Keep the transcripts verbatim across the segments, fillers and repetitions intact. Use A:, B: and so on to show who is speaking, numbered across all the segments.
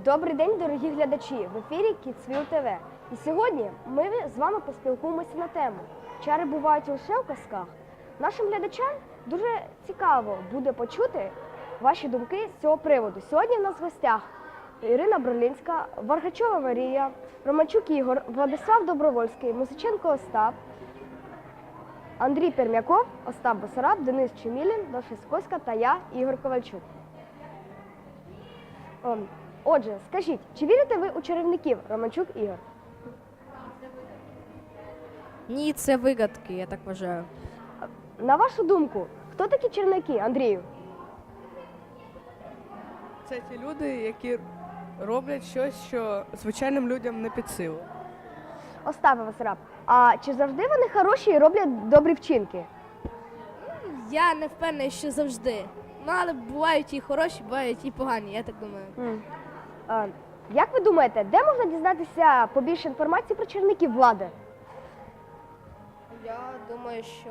A: Добрий день, дорогі глядачі! В ефірі Kidsville ТВ. І сьогодні ми з вами поспілкуємося на тему «Чари бувають лише у казках». Нашим глядачам дуже цікаво буде почути ваші думки з цього приводу. Сьогодні в нас в гостях Ірина Бролінська, Варгачова Марія, Романчук Ігор, Владислав Добровольський, Музиченко Остап, Андрій Пермяков, Остап Басараб, Денис Чемілін, Даша Сокольська та я, Ігор Ковальчук. Отже, скажіть, чи вірите ви у чарівників, Романчук Ігор?
B: Ні, це вигадки, я так вважаю.
A: На вашу думку, хто такі чарівники, Андрію?
C: Це ті люди, які роблять щось, що звичайним людям не під силу.
A: Остапе Басараб, а чи завжди вони хороші і роблять добрі вчинки?
B: Я не впевнений, що завжди. Ну, але бувають і хороші, бувають і погані, я так думаю.
A: М. А, як ви думаєте, де можна дізнатися побільше інформації про чарівників влади?
B: Я думаю, що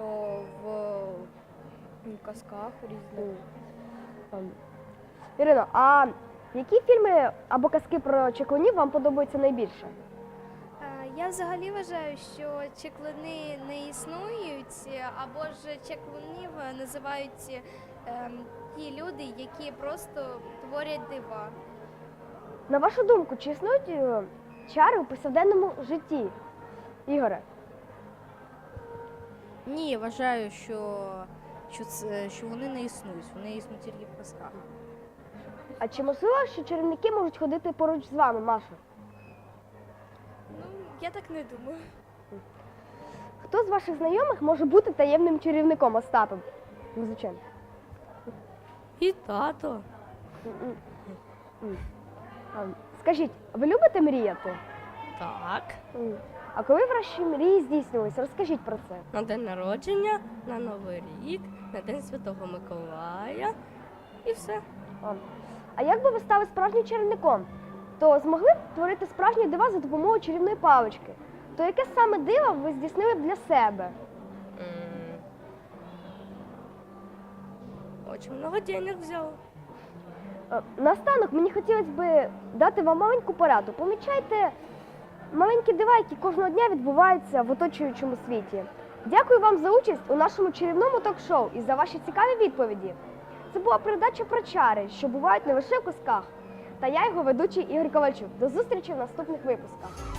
B: в казках різних.
A: Ем, Ірино, а які фільми або казки про чаклунів вам подобаються найбільше?
D: Е, Я взагалі вважаю, що чаклуни не існують, або ж чаклунів називають ем, ті люди, які просто творять дива.
A: На вашу думку, чи існують е, чари у повсякденному житті? Ігоре?
B: Ні, я вважаю, що, що, це, що вони не існують, вони існують тільки в казках.
A: А чи можливо, що чарівники можуть ходити поруч з вами, Маша?
D: Ну, я так не думаю.
A: Хто з ваших знайомих може бути таємним чарівником Остапом? Музиченко.
B: І тато.
A: Ем, Скажіть, ви любите мріяти?
B: Так.
A: М. А коли ваші мрії здійснювалися, розкажіть про це.
B: На день народження, на Новий рік, на День Святого Миколая і все.
A: Ем, А як би ви стали справжнім чарівником, то змогли б творити справжні дива за допомогою чарівної палички? То яке саме диво ви здійснили б для себе?
B: М. Очень много денег взял.
A: Е, Наостанок мені хотілося б дати вам маленьку пораду. Помічайте маленькі дива, які кожного дня відбуваються в оточуючому світі. Дякую вам за участь у нашому чарівному ток-шоу і за ваші цікаві відповіді. Це була передача про чари, що бувають не лише в казках. Та я його ведучий Ігор Ковальчук. До зустрічі в наступних випусках.